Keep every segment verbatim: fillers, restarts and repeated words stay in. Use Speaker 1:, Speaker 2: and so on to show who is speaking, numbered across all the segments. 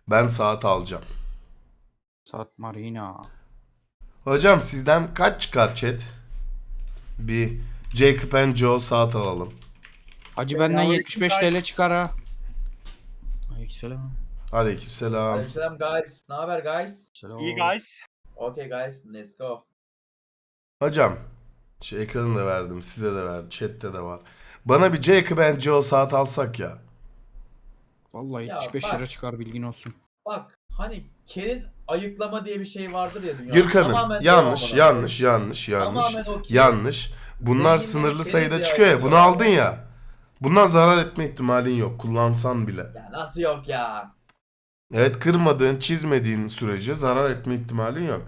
Speaker 1: Ben saat alacağım.
Speaker 2: Saat Marina.
Speaker 1: Hocam sizden kaç çıkar chat? Bir Jacob and Joe saat alalım.
Speaker 2: Hacı benden yetmiş beş T L çıkar ha. Aleykümselam.
Speaker 1: Aleykümselam.
Speaker 3: Aleykümselam guys. Ne haber guys?
Speaker 2: Selam.
Speaker 4: İyi guys.
Speaker 3: Okay guys, let's go.
Speaker 1: Hocam şu ekranı da verdim, size de verdim, chatte de var. Bana bir Jacob and Joe saat alsak ya.
Speaker 2: Vallahi
Speaker 3: Ya
Speaker 2: yetmiş beş
Speaker 3: bak.
Speaker 2: lira çıkar, bilgin olsun.
Speaker 3: Bak hani keriz ayıklama diye bir şey vardır ya dünyada.
Speaker 1: Gürkan'ım
Speaker 3: Tamamen
Speaker 1: yanlış,
Speaker 3: devam
Speaker 1: yanlış, yanlış, yanlış,
Speaker 3: Tamamen o keriz.
Speaker 1: yanlış. Bunlar
Speaker 3: Zenginlerin
Speaker 1: sınırlı
Speaker 3: keriz
Speaker 1: sayıda
Speaker 3: ya,
Speaker 1: çıkıyor ya. Bunu
Speaker 3: yapıyorlar.
Speaker 1: aldın ya. Bundan zarar etme ihtimalin yok. Kullansan bile.
Speaker 3: Ya nasıl yok ya?
Speaker 1: Evet, kırmadığın, çizmediğin sürece zarar etme ihtimalin yok.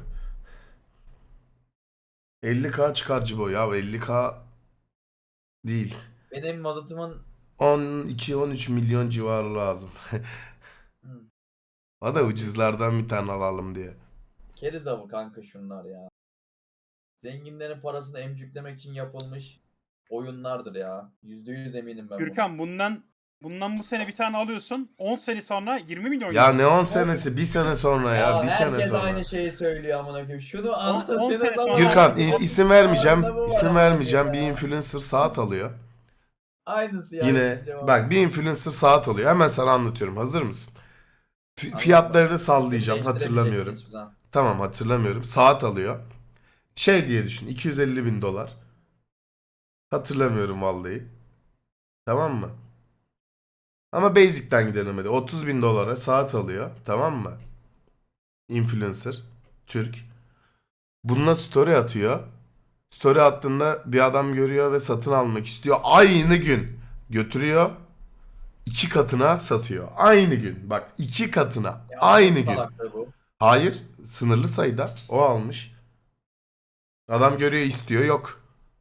Speaker 1: elli K çıkar Cibo ya. elli K değil.
Speaker 3: Benim mazotumun
Speaker 1: on iki on üç milyon civarı lazım. O da ucuzlardan bir tane alalım diye.
Speaker 3: keriz avı kanka şunlar ya. Zenginlerin parasını emcüklemek için yapılmış oyunlardır ya. Yüzde yüz eminim ben buna.
Speaker 4: Gürkan bundan bundan bu sene bir tane alıyorsun. on sene sonra yirmi milyon.
Speaker 1: Ya
Speaker 4: geliyor.
Speaker 1: ne on senesi? Bir sene sonra ya. Bir sene
Speaker 3: herkes
Speaker 1: sonra.
Speaker 3: aynı şeyi söylüyor amına koyayım. Şunu
Speaker 4: on
Speaker 3: anlatıyorsunuz
Speaker 4: sene
Speaker 3: ama-
Speaker 4: sonra-
Speaker 1: Gürkan i- isim vermeyeceğim.
Speaker 3: Anlamı var
Speaker 1: İsim
Speaker 3: amına
Speaker 1: vermeyeceğim. Bir
Speaker 3: koyayım ya.
Speaker 1: influencer saat alıyor.
Speaker 3: Aynısı ya.
Speaker 1: Yine
Speaker 3: cevap.
Speaker 1: bak bir influencer saat alıyor. Hemen sana anlatıyorum. Hazır mısın? F-
Speaker 3: Anladım.
Speaker 1: fiyatlarını sallayacağım.
Speaker 3: Değiştiremeyeceksin
Speaker 1: Hatırlamıyorum.
Speaker 3: hiçbir zaman.
Speaker 1: Tamam, hatırlamıyorum. Saat alıyor. Şey diye düşün. iki yüz elli bin dolar. Hatırlamıyorum vallahi. Tamam mı? Ama basic'ten gidelim hadi. otuz bin dolara saat alıyor. Tamam mı? Influencer. Türk. Bununla story atıyor. Story attığında bir adam görüyor ve satın almak istiyor. Aynı gün götürüyor. iki katına satıyor. Aynı gün. Bak, iki katına.
Speaker 3: Ya
Speaker 1: Aynı
Speaker 3: nasıl
Speaker 1: gün.
Speaker 3: salaklığı bu?
Speaker 1: Hayır. Sınırlı sayıda. O almış. Adam görüyor, istiyor. Yok.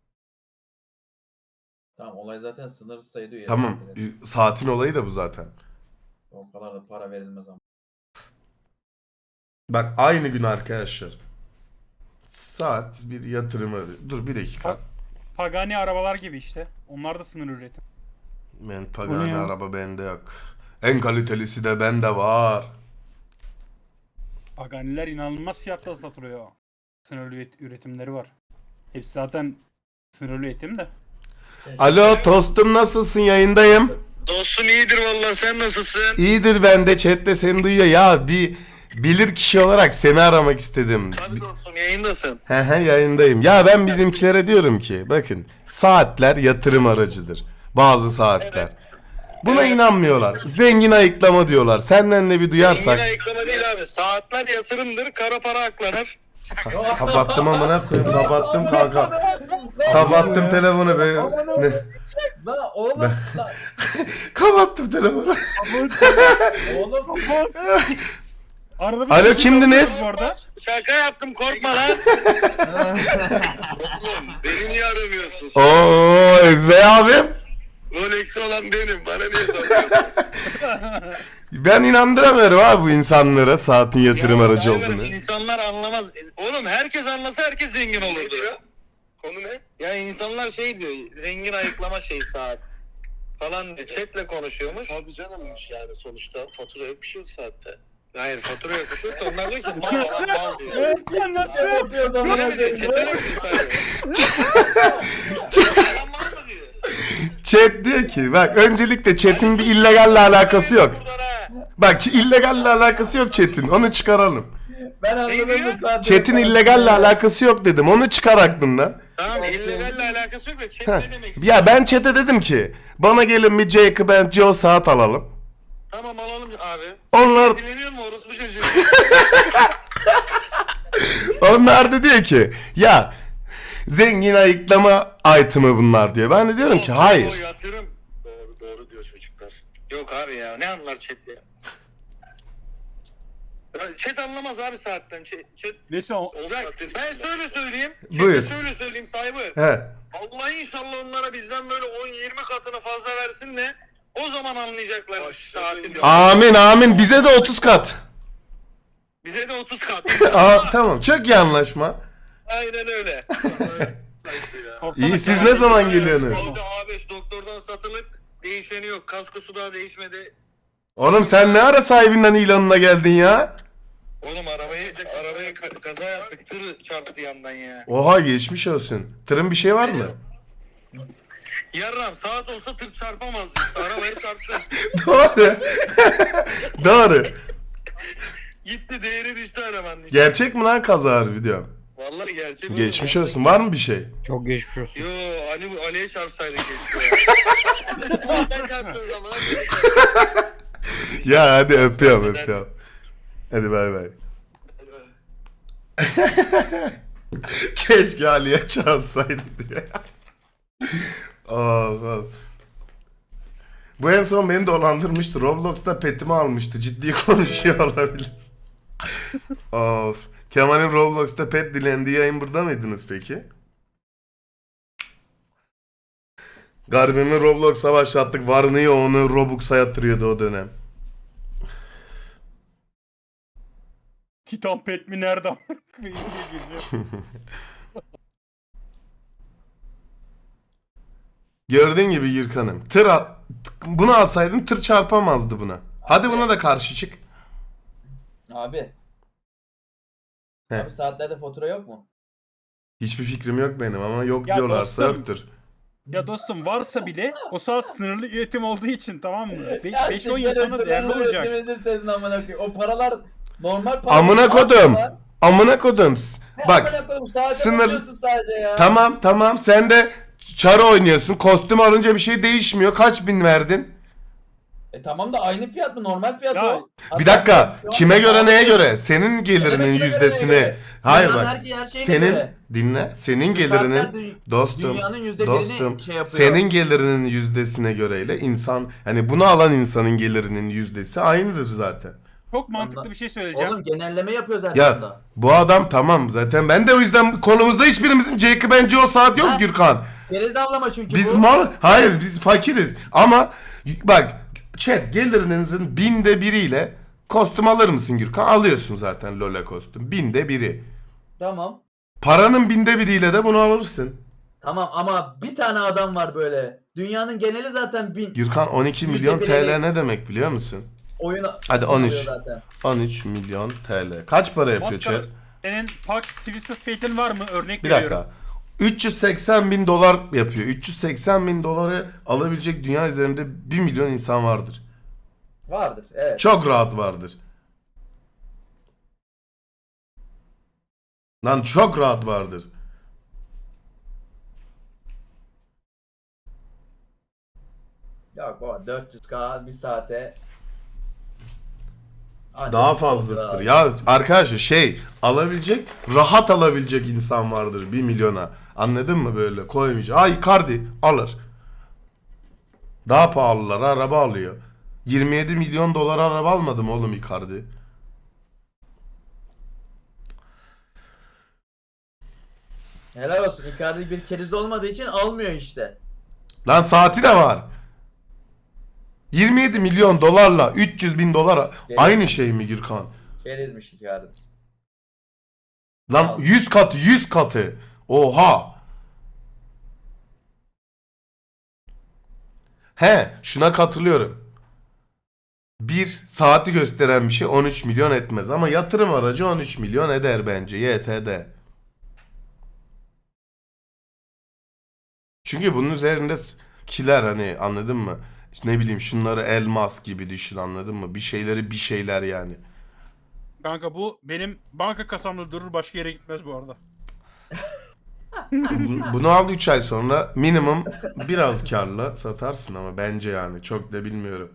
Speaker 3: Tamam, olay zaten sınırsız sayıda üye.
Speaker 1: Tamam. Saatin olayı da bu zaten.
Speaker 3: O kadar da para verilmez ama.
Speaker 1: Bak, aynı gün arkadaşlar. Saat bir yatırımı. Dur bir dakika.
Speaker 4: Pagani arabalar gibi işte. Onlar da sınır üretim.
Speaker 1: Ben
Speaker 2: Bu ne
Speaker 1: Pagani
Speaker 2: ya?
Speaker 1: araba bende yok. En kalitelisi de bende var.
Speaker 4: Paganiler inanılmaz fiyatta satılıyor. Sınırlı üret- üretimleri var. Hepsi zaten sınırlı üretim de.
Speaker 1: Alo tostum, nasılsın? Yayındayım.
Speaker 5: Dostum iyidir vallahi, sen nasılsın?
Speaker 1: İyidir, ben de chatte seni duyuyor. Ya bir bilir kişi olarak seni aramak istedim.
Speaker 5: Tabii dostum, yayındasın.
Speaker 1: He he, yayındayım. Ya ben bizimkilere diyorum ki bakın, saatler yatırım aracıdır. Bazı saatler. Buna
Speaker 5: Evet.
Speaker 1: inanmıyorlar. Zengin ayıklama diyorlar. Senden de bir duyarsak.
Speaker 5: Yine ayıklama değil abi. Saatler yatırımdır, kara para aklanır.
Speaker 1: Ka- kapattım amına koyayım. Kapattım kanka. Kapattım telefonu be. Ne?
Speaker 3: La oğlum, la,
Speaker 1: Kapattım telefonu.
Speaker 3: oğlum.
Speaker 4: Arada bir
Speaker 1: Alo,
Speaker 4: şey
Speaker 1: kimdiniz?
Speaker 4: bu arada.
Speaker 5: Şaka yaptım, korkma lan. Oğlum beni niye aramıyorsun?
Speaker 1: Oo Ezbey abim.
Speaker 5: Rolex'i olan benim, bana niye soruyorsun?
Speaker 1: Ben inandıramıyorum abi bu insanlara saatin yatırım
Speaker 5: Ya,
Speaker 1: aracı
Speaker 5: hayır,
Speaker 1: olduğunu.
Speaker 5: İnsanlar anlamaz. Oğlum herkes anlasa herkes zengin olurdu ya. Konu ne? Ya insanlar şey diyor, zengin ayıklama şey saat falan diyor. Chatle konuşuyormuş. Tabii canım, yani sonuçta fatura yok, bir şey yok saatte. Hayır, fatura yok, bir şey yok. Onlar diyor ki mal
Speaker 4: Nasıl?
Speaker 5: olan mal diyor.
Speaker 4: Evet, ya nasıl?
Speaker 3: Yapıyoruz amına
Speaker 5: Öyle mi diyor?
Speaker 3: koyayım.
Speaker 5: Chat'e mi diyor? Adam mal mı diyor?
Speaker 1: Chat diyor ki bak, öncelikle chat'in bir illegalle alakası yok.
Speaker 5: Buradan ha.
Speaker 1: Bak, ç- illegalle alakası yok chat'in. Onu çıkaralım.
Speaker 3: Ben anladım
Speaker 5: diyor?
Speaker 3: bu saatte.
Speaker 1: Chat'in illegalle alakası yok dedim. Onu çıkar aklından.
Speaker 5: Tamam, illegalle alakası yok da chat
Speaker 1: Heh.
Speaker 5: ne demek?
Speaker 1: Ya ben chat'e dedim ki bana gelin bir Jacob and Joe saat alalım.
Speaker 5: Tamam, alalım abi.
Speaker 1: Onlar
Speaker 5: Dinleniyor mu orospu çocuğu?
Speaker 1: onlar da diyor ki ya zengin ayıklama item'ı bunlar diyor. Ben de diyorum ki
Speaker 5: O
Speaker 1: hayır.
Speaker 5: yatırım. Doğru doğru diyor çocuklar. Yok abi ya, ne anlar chat ya? Ya Chat anlamaz abi saatten. Chat, chat
Speaker 4: Neyse o-
Speaker 5: olacak. Ben şöyle söyleyeyim.
Speaker 1: Buyur.
Speaker 5: Chat'e şöyle söyleyeyim sahibi.
Speaker 1: He.
Speaker 5: Allah inşallah onlara bizden böyle on yirmi katını fazla versin de o zaman anlayacaklar saatin.
Speaker 1: Amin amin, bize de otuz kat.
Speaker 5: Bize de otuz kat.
Speaker 1: Aa, tamam, çok iyi anlaşma.
Speaker 5: Aynen öyle.
Speaker 4: Korksana
Speaker 1: İyi, siz
Speaker 4: ya.
Speaker 1: ne zaman geliyorsunuz?
Speaker 5: Orada A beş doktordan satılık, değişeni yok. Kaskosu daha değişmedi.
Speaker 1: Oğlum sen ne ara sahibinden ilanına geldin ya?
Speaker 5: Oğlum arabayı arabayı ka- kaza yaptık. Tır çarptı yandan ya.
Speaker 1: Oha geçmiş olsun. Tırın bir şey var mı?
Speaker 5: Yarram saat olsa tır çarpamaz. Arabayı çarptı.
Speaker 1: Doğru. Doğru.
Speaker 5: Gitti değeri düştü arabanın. işte.
Speaker 1: Gerçek mi lan kaza harbi diyorum.
Speaker 5: Vallahi gerçek. oğlum,
Speaker 1: Geçmiş
Speaker 5: vallahi.
Speaker 1: olsun. Var mı bir şey?
Speaker 2: Çok geçmiş olsun.
Speaker 5: Yo Ali Ali'ye çarpsaydık keşke ya. Ben çarptım o zaman.
Speaker 1: Ya hadi öpüyorum öpüyorum. Hadi bay bay. Keşke Ali'ye çağırsaydı diye. Of, of. Bu en son beni dolandırmıştı. Roblox'ta petimi almıştı. Ciddi konuşuyor olabilir. Of. Kemal'in Roblox'ta pet dilendiği yayın burada mıydınız peki? Garbimi Roblox'a başlattık. Varını yoğunu Robux'a yatırıyordu o dönem.
Speaker 4: Titan pet mi nerede?
Speaker 1: Gördüğün gibi Gürkan'ım. Tır al- bunu alsaydın tır çarpamazdı buna. Hadi
Speaker 3: Abi.
Speaker 1: buna da karşı çık.
Speaker 3: Abi.
Speaker 1: He.
Speaker 3: Abi saatlerde fatura yok mu?
Speaker 1: Hiçbir fikrim yok benim ama yok
Speaker 4: Ya
Speaker 1: diyorlarsa
Speaker 4: dostum.
Speaker 1: yoktur.
Speaker 4: Ya dostum varsa bile o saat sınırlı üretim olduğu için tamam mı?
Speaker 3: Ya
Speaker 4: beş on yıl
Speaker 3: siktir
Speaker 4: sonra
Speaker 3: olsun,
Speaker 4: değerli
Speaker 3: sınırlı
Speaker 4: olacak.
Speaker 3: üretimizin sesini amına koyayım. O paralar normal para.
Speaker 1: Amına kodum. Amına kodum. S- Bak
Speaker 3: Amına koyayım saate
Speaker 1: sınır-
Speaker 3: bakıyorsun sadece ya.
Speaker 1: tamam tamam sen de çarı oynuyorsun. Kostüm alınca bir şey değişmiyor. Kaç bin verdin?
Speaker 3: E tamam da aynı fiyat mı? Normal fiyat
Speaker 4: Ya,
Speaker 3: o.
Speaker 1: Bir dakika.
Speaker 3: Şu an-
Speaker 1: Kime göre neye göre? Senin gelirinin
Speaker 3: kime göre neye
Speaker 1: yüzdesini.
Speaker 3: göre?
Speaker 1: Hayır
Speaker 3: Dünyanın
Speaker 1: bak.
Speaker 3: her- her şeyine
Speaker 1: Senin
Speaker 3: göre.
Speaker 1: dinle. Senin
Speaker 3: Saatler
Speaker 1: gelirinin
Speaker 3: dü-
Speaker 1: dostum
Speaker 3: dünyanın yüzde
Speaker 1: dostum
Speaker 3: birini şey yapıyor.
Speaker 1: senin gelirinin yüzdesine göreyle insan hani bunu alan insanın gelirinin yüzdesi aynıdır zaten.
Speaker 4: Çok mantıklı
Speaker 3: Ondan-
Speaker 4: bir şey söyleyeceğim.
Speaker 3: Oğlum genelleme yapıyoruz her
Speaker 1: Ya
Speaker 3: konuda.
Speaker 1: bu adam tamam zaten ben de o yüzden konumuzda hiçbirimizin Jacob and Joe saat yok
Speaker 3: Ha.
Speaker 1: Gürkan.
Speaker 3: Geriz avlama çünkü
Speaker 1: Biz
Speaker 3: bu.
Speaker 1: mal hayır biz fakiriz ama bak chat gelirinizin binde biriyle kostüm alır mısın Gürkan? Alıyorsun zaten Lola kostüm binde biri.
Speaker 3: Tamam.
Speaker 1: Paranın binde biriyle de bunu alırsın.
Speaker 3: Tamam ama bir tane adam var böyle. Dünyanın geneli zaten bin.
Speaker 1: Gürkan on iki
Speaker 3: Yüzde
Speaker 1: milyon
Speaker 3: biri-
Speaker 1: T L ne demek biliyor musun?
Speaker 3: Oyuna
Speaker 1: Hadi on üç.
Speaker 3: oluyor zaten.
Speaker 1: on üç milyon T L. Kaç para yapıyor
Speaker 4: Maskara,
Speaker 1: chat?
Speaker 4: senin Pax Twisted Fate'in var mı? Örnek
Speaker 1: Bir
Speaker 4: veriyorum.
Speaker 1: dakika. üç yüz seksen bin dolar yapıyor. üç yüz seksen bin doları alabilecek dünya üzerinde bir milyon insan vardır.
Speaker 3: Vardır evet.
Speaker 1: Çok rahat vardır. Lan çok rahat vardır.
Speaker 3: Yok baba dört yüz K bir saate. Ancak
Speaker 1: Daha
Speaker 3: bir
Speaker 1: fazlasıdır.
Speaker 3: olur abi.
Speaker 1: Ya arkadaşlar şey alabilecek, rahat alabilecek insan vardır bir milyona. Anladın mı böyle koymayacak. Ay Icardi alır. Daha pahalılar araba alıyor. yirmi yedi milyon dolar araba almadı mı oğlum Icardi?
Speaker 3: Helal olsun. Icardi bir keriz olmadığı için almıyor işte.
Speaker 1: Lan saati de var. yirmi yedi milyon dolarla üç yüz bin dolar aynı şey mi Gürkan?
Speaker 3: Kerizmiş Icardi.
Speaker 1: Lan yüz katı yüz katı. Oha. He şuna katılıyorum. Bir saati gösteren bir şey on üç milyon etmez ama yatırım aracı on üç milyon eder bence Y T D. Çünkü bunun üzerinde s- kiler hani anladın mı? İşte ne bileyim şunları elmas gibi düşün anladın mı? Bir şeyleri bir şeyler yani.
Speaker 4: Kanka bu benim banka kasamda durur başka yere gitmez bu arada.
Speaker 1: Bu- Bunu al üç ay sonra minimum biraz karla satarsın ama bence yani çok da bilmiyorum.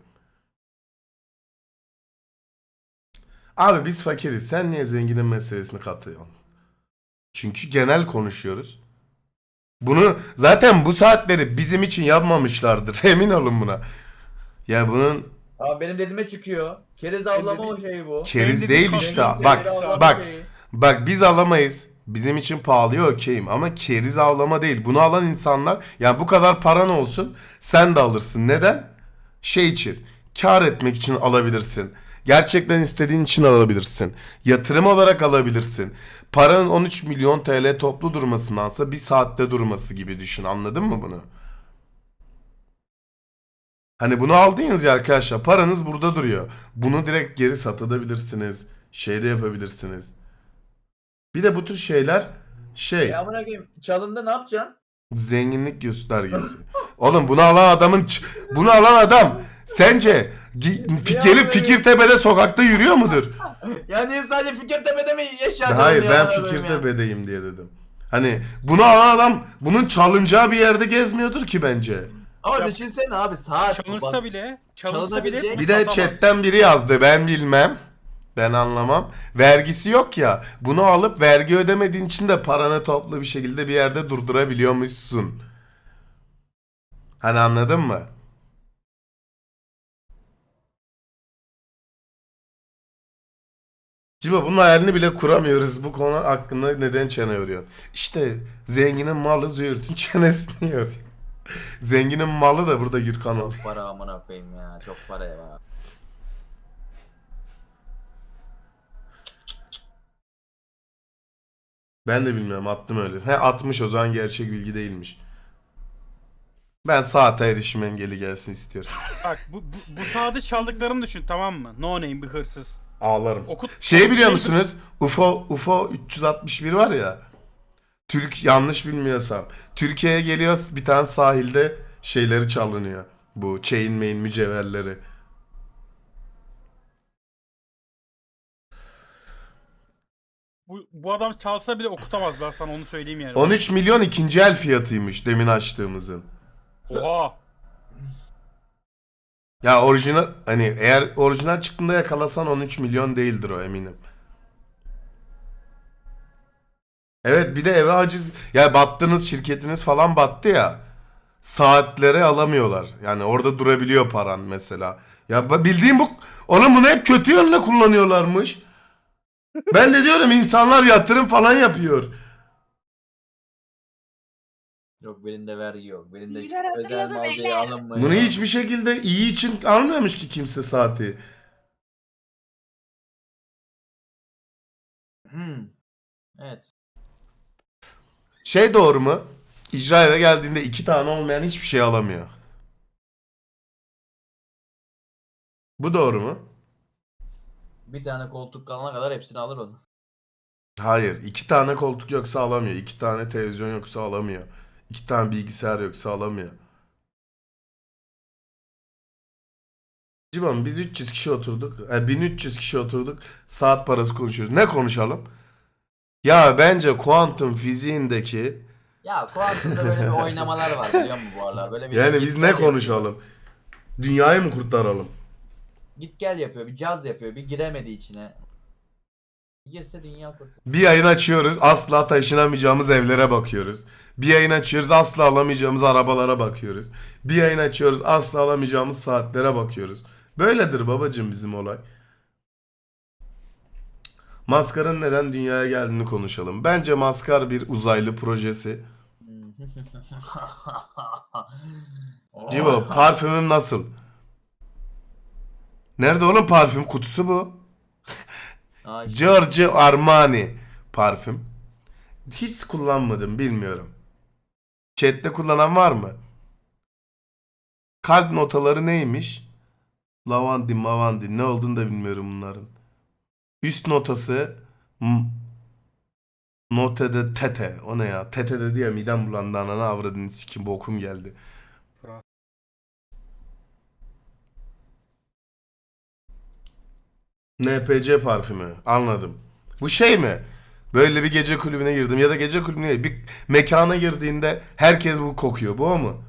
Speaker 1: Abi biz fakiriz. Sen niye zenginin meselesini katıyorsun? Çünkü genel konuşuyoruz. Bunu zaten bu saatleri bizim için yapmamışlardır. Emin olun buna. Ya bunun
Speaker 3: Ama benim dediğime çıkıyor. Keriz avlama o şey bu.
Speaker 1: keriz
Speaker 4: Senin
Speaker 1: değil
Speaker 4: dediğin
Speaker 1: işte.
Speaker 4: kaldı.
Speaker 1: Bak
Speaker 3: Keriz avlama
Speaker 1: bak
Speaker 3: şeyi.
Speaker 1: bak biz alamayız. Bizim için pahalıya okeyim ama keriz avlama değil. Bunu alan insanlar yani bu kadar paran olsun sen de alırsın. Neden? Şey için kar etmek için alabilirsin. Gerçekten istediğin için alabilirsin. Yatırım olarak alabilirsin. Paranın on üç milyon T L toplu durmasındansa bir saatte durması gibi düşün. Anladın mı bunu? Hani bunu aldınız ya arkadaşlar, paranız burada duruyor. Bunu direkt geri satabilirsiniz. Şey de yapabilirsiniz. Bir de bu tür şeyler şey
Speaker 3: E amına koyayım çalındı ne yapacaksın?
Speaker 1: zenginlik göstergesi. Oğlum bunu alan adamın ç- bunu alan adam sence gi- fi- gelip Fikirtepe'de sokakta yürüyor mudur?
Speaker 3: Ya niye sadece Fikirtepe'de mi yaşadın
Speaker 1: Hayır
Speaker 3: ya?
Speaker 1: ben
Speaker 3: amına koyayım ya?
Speaker 1: Fikirtepe'deyim diye dedim. Hani bunu alan adam bunun çalınacağı bir yerde gezmiyordur ki bence.
Speaker 3: Ama
Speaker 4: Ya-
Speaker 3: düşünsene abi saat.
Speaker 4: Çalınsa
Speaker 3: bak-
Speaker 4: bile, çalınsa bile
Speaker 3: Çalınabilecek-
Speaker 1: Bir de
Speaker 4: satamaz.
Speaker 1: chatten biri yazdı, ben bilmem. Ben anlamam. Vergisi yok ya. Bunu alıp vergi ödemediğin için de paranı toplu bir şekilde bir yerde durdurabiliyormuşsun. Hani anladın mı? Ciba bunun hayalini bile kuramıyoruz. Bu konu hakkında neden çene yoruyorsun? İşte zenginin malı züğürtün çenesini yoruyor. Zenginin malı da burada Gürkan ol.
Speaker 3: Çok para amına koyayım ya. Çok para ya.
Speaker 1: Ben de bilmiyorum, attım öyle. He atmış, o zaman gerçek bilgi değilmiş. Ben saate erişim engeli gelsin istiyorum.
Speaker 4: Bak bu, bu, bu saatte çaldıklarını düşün, tamam mı? No name bir hırsız.
Speaker 1: Ağlarım.
Speaker 4: Okut,
Speaker 1: Şey biliyor musunuz? U F O U F O üç yüz altmış bir var ya. Türk, yanlış bilmiyorsam. Türkiye'ye geliyor, bir tane sahilde şeyleri çalınıyor. Bu chain main mücevherleri.
Speaker 4: Bu, bu adam çalsa bile okutamaz, ben sana onu söyleyeyim yani.
Speaker 1: on üç milyon ikinci el fiyatıymış demin açtığımızın.
Speaker 4: Oha.
Speaker 1: Ya orijinal, hani eğer orijinal çıktığında yakalasan on üç milyon değildir o, eminim. Evet, bir de eve haciz, ya battınız, şirketiniz falan battı ya. Saatlere alamıyorlar. Yani orada durabiliyor paran mesela. Ya ba- bildiğim bu, oğlum bunu hep kötü yönde kullanıyorlarmış. Ben de diyorum insanlar yatırım falan yapıyor.
Speaker 3: Yok birinde vergi yok. Birinde
Speaker 6: Beyler
Speaker 3: özel
Speaker 6: hatırladım,
Speaker 3: mal diye
Speaker 6: beyler.
Speaker 3: alınmıyor.
Speaker 1: Bunu hiçbir şekilde iyi için almıyormuş ki kimse saati.
Speaker 3: Hmm. Evet.
Speaker 1: Şey doğru mu? İcra eve geldiğinde iki tane olmayan hiçbir şey alamıyor. Bu doğru mu?
Speaker 3: Bir tane koltuk kalana kadar hepsini alır onu.
Speaker 1: Hayır. iki tane koltuk yoksa alamıyor. iki tane televizyon yoksa alamıyor. iki tane bilgisayar yoksa alamıyor. Civan biz üç yüz kişi oturduk. E, bin üç yüz kişi oturduk. Saat parası konuşuyoruz. Ne konuşalım? Ya bence kuantum fiziğindeki,
Speaker 3: Ya kuantumda böyle bir oynamalar var biliyor musun bu aralar? Böyle bir
Speaker 1: yani
Speaker 3: git
Speaker 1: biz
Speaker 3: gel
Speaker 1: ne
Speaker 3: yapıyor.
Speaker 1: konuşalım? Dünyayı mı kurtaralım?
Speaker 3: Git gel yapıyor, bir caz yapıyor, bir giremedi içine. Girse dünya kurtulur.
Speaker 1: Bir yayın açıyoruz, asla taşınamayacağımız evlere bakıyoruz. Bir yayın açıyoruz, asla alamayacağımız arabalara bakıyoruz. Bir yayın açıyoruz, asla alamayacağımız saatlere bakıyoruz. Böyledir babacım bizim olay. Maskar'ın neden dünyaya geldiğini konuşalım. Bence Maskar bir uzaylı projesi. Cibo, parfümüm nasıl? Nerede oğlum parfüm? Kutusu bu.
Speaker 3: Aa, işte.
Speaker 1: Giorgio Armani parfüm. Hiç kullanmadım, bilmiyorum. Chat'te kullanan var mı? Kalp notaları neymiş? Lavandi, mavandi, ne olduğunu da bilmiyorum bunların. Üst notası m- note de tete. O ne ya? Tete dedi ya, midem bulandı, ananı avradını sikim, bokum geldi. N P C parfümü. Anladım. Bu şey mi? Böyle bir gece kulübüne girdim ya da gece kulübüne değil, bir mekana girdiğinde herkes bu kokuyor. Bu o mu?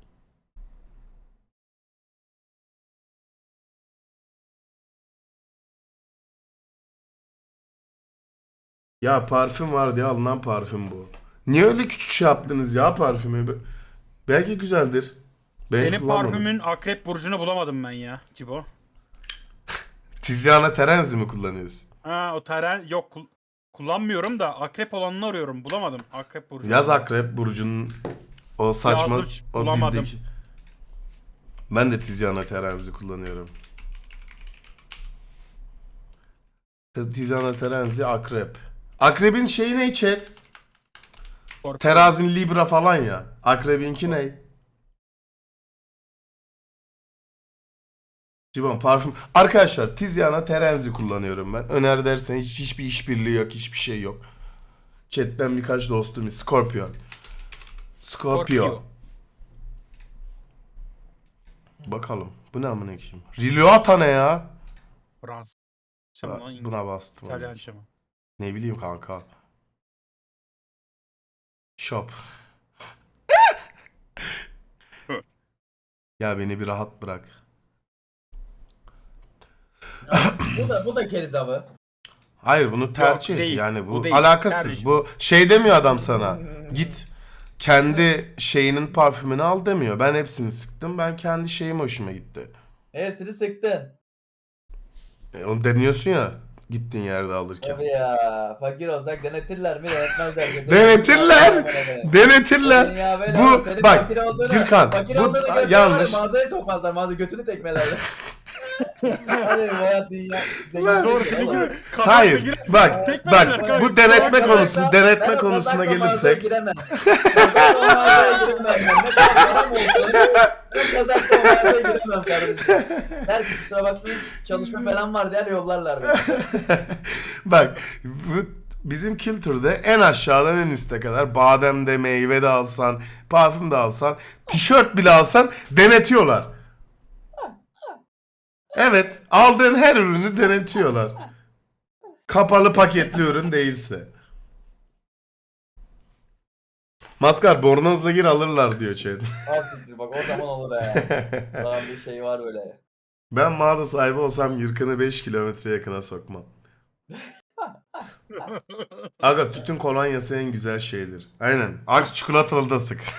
Speaker 1: Ya parfüm var diye alınan parfüm bu. Niye öyle küçük şey yaptınız ya parfümü? Be- Belki güzeldir. Ben hiç
Speaker 4: Benim
Speaker 1: kullanmadım.
Speaker 4: parfümün akrep burcunu bulamadım ben ya Cibo.
Speaker 1: Tiziana Terenzi mi kullanıyorsun?
Speaker 4: Ha o teren yok kul- kullanmıyorum da akrep olanını arıyorum, bulamadım akrep burcunu.
Speaker 1: Yaz akrep burcunun o saçma,
Speaker 4: Yazdım,
Speaker 1: o
Speaker 4: bulamadım.
Speaker 1: dildeki. Ben de Tiziana Terenzi kullanıyorum. Tiziana Terenzi akrep. Akrebin şeyi ne chat?
Speaker 4: Skorpiyon.
Speaker 1: Terazin Libra falan ya. Akrebinki ne? Cibon parfüm. Arkadaşlar Tiziana Terenzi kullanıyorum ben. Öner dersen hiç, hiçbir işbirliği yok. Hiçbir şey yok. Chat'ten birkaç dostum. Scorpion. Scorpio.
Speaker 2: Scorpio.
Speaker 1: Bakalım. Bu ne amına koyayım? Riluata ne ya?
Speaker 4: Fransız.
Speaker 1: Ba- Buna bastım.
Speaker 4: İtalyan şamı.
Speaker 1: Ne bileyim kanka. Shop. Ya beni bir rahat bırak.
Speaker 3: Bu da bu da keriz avı.
Speaker 1: Hayır bunu tercih.
Speaker 4: değil.
Speaker 1: Yani bu,
Speaker 4: Bu değil.
Speaker 1: alakasız.
Speaker 4: Tercih.
Speaker 1: Bu şey demiyor adam sana. Git kendi şeyinin parfümünü al demiyor. Ben hepsini sıktım. Ben kendi şeyim hoşuma gitti.
Speaker 3: Hepsini sıktın.
Speaker 1: E, onu deniyorsun ya gittiğin yerde alırken.
Speaker 3: Tabii ya. Fakir olsak denetirler mi? Denetmezler.
Speaker 1: Denetirler. Denetirler.
Speaker 3: Dünya böyle
Speaker 1: Bu-
Speaker 3: ama senin
Speaker 1: bak,
Speaker 3: fakir olduğunu,
Speaker 1: Gürkan,
Speaker 3: fakir
Speaker 1: bu-
Speaker 3: olduğunu
Speaker 1: a-
Speaker 3: göstermezler,
Speaker 1: yanlış.
Speaker 3: Mağazaya sokmazlar. Mağaza götünü tekmelerler. Hadi bu hayat dünya.
Speaker 1: Ben-
Speaker 4: Doğru
Speaker 3: Zengin
Speaker 4: çünkü
Speaker 3: oğlum.
Speaker 4: kazakla
Speaker 1: Hayır.
Speaker 4: girersin,
Speaker 1: Bak
Speaker 4: tekme
Speaker 1: bak
Speaker 4: yerler
Speaker 1: bu
Speaker 4: kanka.
Speaker 1: denetme
Speaker 3: Ben
Speaker 1: konusu
Speaker 3: kazakla-
Speaker 1: denetme
Speaker 3: ben o
Speaker 1: konusuna
Speaker 3: kazakla mağazaya
Speaker 1: gelirsek.
Speaker 3: giremem. Kazakla o mağazaya giremem ben. Ne kadar param olsun. Ben kazakla o mağazaya giremem kardeşim. Der ki kusura bakmayın çalışma falan var der yollarlar beni.
Speaker 1: Bak bu bizim kültürde en aşağıdan en üste kadar badem de meyve de alsan, parfüm de alsan, tişört bile alsan denetiyorlar. Evet, aldığın her ürünü denetiyorlar. Kapalı paketli ürün değilse. Maskar bornozla gir alırlar diyor chat.
Speaker 3: Asiktir bak o zaman olur ha. Lan bir şey var böyle.
Speaker 1: Ben mağaza sahibi olsam Yırkan'ı beş kilometre yakına sokmam. Aga tütün kolonyası en güzel şeydir. Aynen. Aks çikolatalı da sık.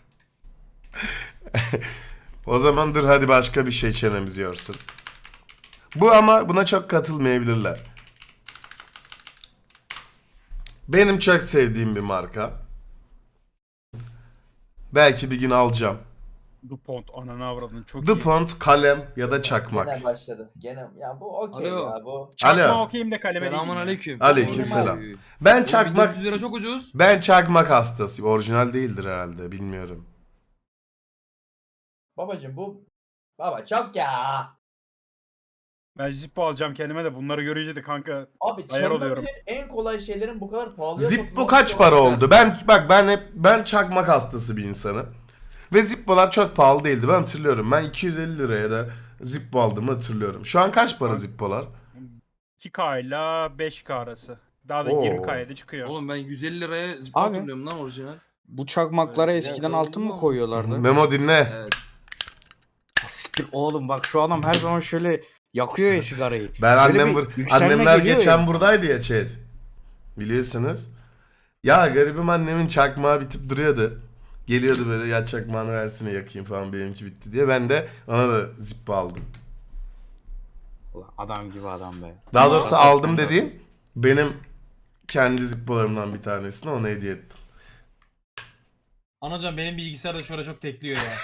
Speaker 1: O zaman dur hadi başka bir şey çenemizi yorsun. Bu ama buna çok katılmayabilirler. Benim çok sevdiğim bir marka. Belki bir gün alacağım.
Speaker 4: DuPont ananı avradını çok iyi.
Speaker 1: DuPont kalem ya da çakmak.
Speaker 3: Gene başladı. Gene ya bu okey
Speaker 6: Alo.
Speaker 3: ya bu.
Speaker 4: Çakma
Speaker 1: Alo.
Speaker 4: okuyayım da kaleme
Speaker 6: Selamun
Speaker 4: değilim ya.
Speaker 6: aleyküm.
Speaker 1: Aleykümselam.
Speaker 6: Oğlum,
Speaker 1: Ben
Speaker 6: oğlum,
Speaker 1: çakmak
Speaker 6: bin dört yüz lira çok ucuz.
Speaker 1: ben çakmak hastasıyım. Orijinal değildir herhalde bilmiyorum.
Speaker 3: Babacım bu. Baba çok ya.
Speaker 4: Ben Zippo alacağım kendime de bunları görünce de kanka
Speaker 3: Abi
Speaker 4: Ayar oluyorum.
Speaker 3: çalınabilen en kolay şeylerin bu kadar pahalıya
Speaker 1: Zippo
Speaker 3: satılması
Speaker 1: kaç
Speaker 3: çok
Speaker 1: para
Speaker 3: güzel.
Speaker 1: oldu? Ben bak ben hep ben çakmak hastası bir insanım. Ve Zippo'lar çok pahalı değildi. Ben hatırlıyorum. Ben iki yüz elli liraya da Zippo aldığımı hatırlıyorum. Şu an kaç para Zippo'lar?
Speaker 4: iki K ile beş K arası. Daha da
Speaker 1: Oo.
Speaker 4: yirmi K'ya da çıkıyor.
Speaker 6: Oğlum ben yüz elli liraya zip
Speaker 2: Abi.
Speaker 6: hatırlıyorum lan orijinal.
Speaker 2: Bu çakmaklara
Speaker 6: Evet,
Speaker 2: eskiden
Speaker 6: ya,
Speaker 2: altın mı
Speaker 6: olmaz.
Speaker 2: koyuyorlardı?
Speaker 1: Memo dinle.
Speaker 6: Evet.
Speaker 2: Siktir oğlum bak şu adam her zaman şöyle yakıyor ya sigarayı.
Speaker 1: Ben
Speaker 2: Böyle
Speaker 1: annem
Speaker 2: bir
Speaker 1: bur
Speaker 2: yükselme
Speaker 1: annemler
Speaker 2: geliyor
Speaker 1: geçen
Speaker 2: ya.
Speaker 1: buradaydı ya chat. Biliyorsunuz. Ya garibim annemin çakmağı bitip duruyordu. Geliyordu böyle ya çakmağını versene yakayım falan benimki bitti diye. Ben de ona da Zippo aldım.
Speaker 2: Ulan adam gibi adam be.
Speaker 1: Daha doğrusu
Speaker 2: Ama-
Speaker 1: aldım dediğim benim kendi Zippo'larımdan bir tanesini ona hediye ettim.
Speaker 7: Anacan benim bilgisayar da şurada çok tekliyor ya.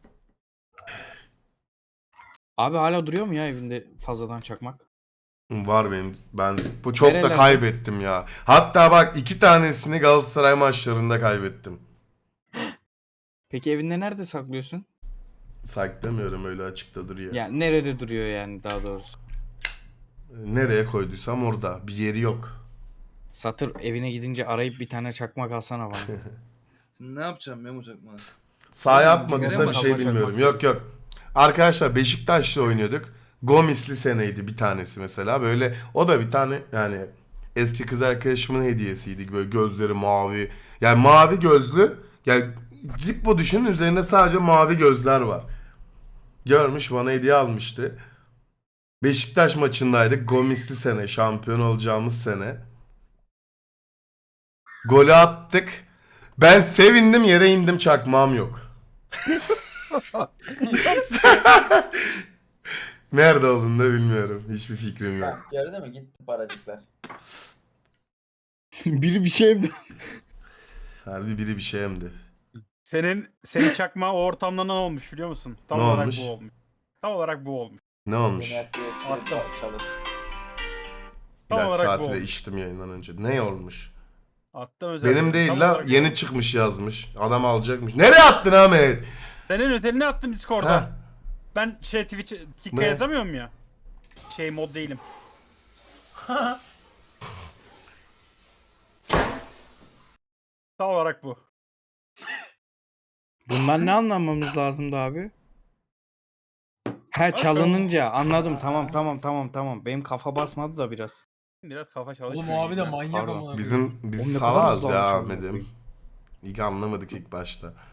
Speaker 2: Abi hala duruyor mu ya evinde fazladan çakmak?
Speaker 1: Var benim. Ben Zippo çok da
Speaker 2: Nerelerde?
Speaker 1: kaybettim ya. Hatta bak iki tanesini Galatasaray maçlarında kaybettim.
Speaker 2: Peki evinde nerede saklıyorsun?
Speaker 1: Saklamıyorum öyle açıkta duruyor.
Speaker 2: Yani nerede duruyor yani daha doğrusu?
Speaker 1: Nereye koyduysam orada. Bir yeri yok.
Speaker 2: Satır evine gidince arayıp bir tane çakmak alsana bana.
Speaker 6: Sen ne yapacaksın Memo çakmağı?
Speaker 1: Sahaya
Speaker 6: Oğlum,
Speaker 1: atmadıysa
Speaker 6: sigara
Speaker 1: bir
Speaker 6: mı
Speaker 1: şey
Speaker 2: kalacak
Speaker 1: bilmiyorum.
Speaker 2: bak.
Speaker 1: Yok yok. Arkadaşlar Beşiktaş'la oynuyorduk. Gomisli seneydi bir tanesi mesela. Böyle o da bir tane yani eski kız arkadaşımın hediyesiydi. Böyle gözleri mavi. Yani mavi gözlü. Yani Zippo düşünün üzerinde sadece mavi gözler var. Görmüş bana hediye almıştı. Beşiktaş maçındaydık. Gomisli sene. Şampiyon olacağımız sene. Golü attık. Ben sevindim yere indim çakmağım yok. Nerede olduğunu da bilmiyorum. Hiçbir fikrim yok.
Speaker 3: Bak gördün mü gitti paracıklar.
Speaker 2: Biri bir şey mi?
Speaker 1: Harbi biri bir şey emdi.
Speaker 4: Senin senin çakma o ortamda ne olmuş biliyor musun? Tam
Speaker 1: Ne
Speaker 4: olarak
Speaker 1: olmuş?
Speaker 4: bu olmuş. Tam olarak bu olmuş.
Speaker 1: Ne olmuş?
Speaker 3: Yine eski
Speaker 4: Attım.
Speaker 3: çalış.
Speaker 4: Tam
Speaker 1: İlaç
Speaker 4: olarak bu
Speaker 1: saati de
Speaker 4: olmuş.
Speaker 1: içtim yayından önce. Ne olmuş?
Speaker 4: Attım özellikle.
Speaker 1: Benim değil
Speaker 4: Tam
Speaker 1: la.
Speaker 4: olarak bu
Speaker 1: Yeni
Speaker 4: olmuş.
Speaker 1: çıkmış yazmış. Adam alacakmış. Nereye attın Ahmet?
Speaker 4: Senin özelini attım Discord'da.
Speaker 1: Ha.
Speaker 4: Ben şey Twitch Kik'e
Speaker 1: Ne?
Speaker 4: yazamıyorum ya. Şey mod değilim. Tam olarak bu.
Speaker 2: Bundan ne anlamamız lazımdı abi? He çalınınca anladım tamam tamam tamam tamam. Benim kafa basmadı da biraz.
Speaker 4: Biraz kafa çalışmıyor.
Speaker 7: Oğlum o abi de
Speaker 4: gibi.
Speaker 7: manyak
Speaker 2: Pardon.
Speaker 7: amına koyayım.
Speaker 1: Bizim biz
Speaker 2: Oğlum ne kadar
Speaker 1: salağız
Speaker 2: hızlı
Speaker 1: ya
Speaker 2: almış amına
Speaker 1: Ahmet'im.
Speaker 2: koyayım.
Speaker 1: İlk anlamadık ilk başta.